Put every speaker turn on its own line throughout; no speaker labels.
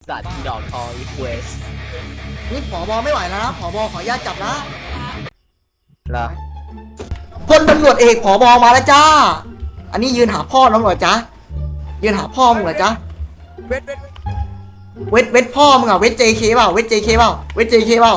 สัตว์ดอกทองอีเวส
นี่ผบไม่ไหวแล้วนะผบขออนุญาตจับนะ
เหรอ
พลตำรวจเอกผบมาแล้วจ้าอันนี้ยืนหาพ่อน้องเหรอจ๊ะยืนหาพ่อมึงเหรอจ๊ะเวทพ่อมึงอะเวท JK เปล่าเวท JK เปล่าเวท JK เปล่า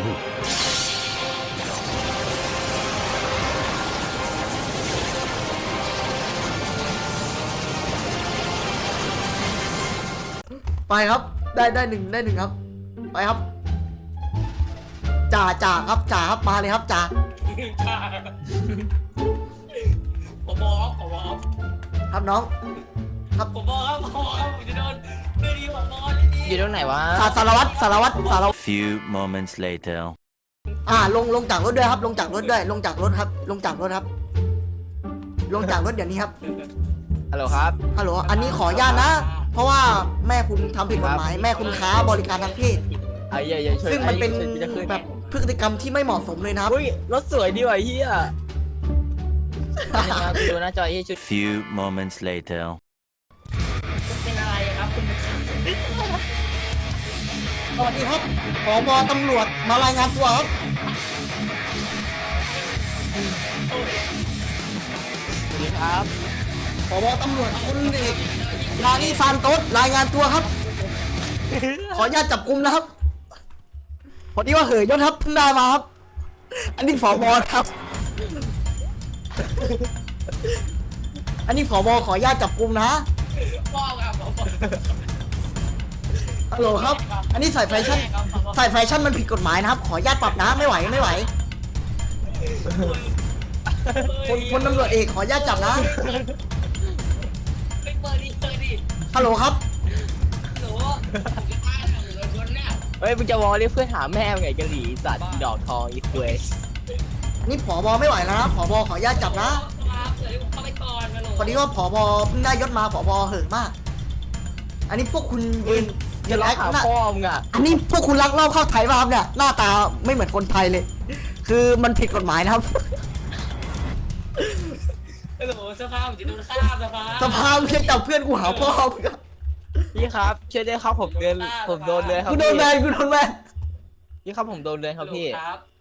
ไปครับได้หนึ่งครับไปครับจ่าครับมาเลยครับจ่าครับน้องครับ
ผมบอกครับผมจะโดนเรื่องนี้ผมบอกเรื่องนี้
อยู่ตรงไหนวะ
สารวัตร
Few moments later.
ลงจากรถด้วยครับลงจากรถด้วยลงจากรถครับลงจากรถครับลงจากรถเดี๋ยวนี้ครับ
ฮัลโหลครับ
ฮัลโหลอันนี้ขออนุญาตนะ เพราะว่าแม่คุณทำผิดกฎหมายแม่คุณค้าบริการทางเพศ
ไอ้อย่าช่วย
ซึ่งมันเป็น
จะขึ้น
แบบพฤติกรรมที่ไม่เหมาะสมเลยนะครับ
อุ้ยรถสวยดีว่ะเฮียนี่ไงกูดูหน้าจอเฮียชุด
Few moments later.
เป็นอะไรครับคุณ
สวัสดีครับผบตำรวจมารายงานตัวครับ
สวัสดีครับ
ผบตำรวจคุณเอกลานีซานโตสรายงานตัวครับ ขออนุญาตจับกุมนะครับพอดีว่าเหยยศครับเพิ่งได้มาครับ อันนี้ผบครับ อันนี้ผบขออนุญาตจับกุมนะ
พ่อครับผม
ฮัลโหลครับ อันนี้ใส่แฟชั่นมันผิดกฎหมายนะครับ ขออนุญาตปรับนะไม่ไหวคนตำรวจเอกขออนุญาตจับนะ
ไม่เปิดดิ
ฮัลโหลครับ
หนูจะตายหรือชนเนี่ย
เฮ้ยมึงจะวอลเรียกเพื่อนหาแม่มึงไงกะหรี่สัตว์ดอกทองอีเวส
อันนี้ผบไม่ไหวแล้วนะผบขออนุญาตจับนะ
ครับเดี๋ยวผมเข้าไปก่อนนะหนู
พอดีว่าผบเพิ่งได้ยศมาผบเหินมาก อันนี้พวกคุณยืน
จะล็อกหา
หน้า
พ่อมึงอ่ะ
อันนี้พวกคุณลักลอบเข้าไทยมาครับเนี่ยหน้าตาไม่เหมือนคนไทยเลย คือมันผิดกฎหมายนะครับ
หนูสภาพผมจะโดนฆ่าสภา
สภาพเพียงจับเพื่อนกูหาพ่อมึงอะ
พี่ครับช่วยด้วยครับผมโดนเลยครับ
กูโดนแบน
พี่ครับผมโดนเลยครับพี่
ครับ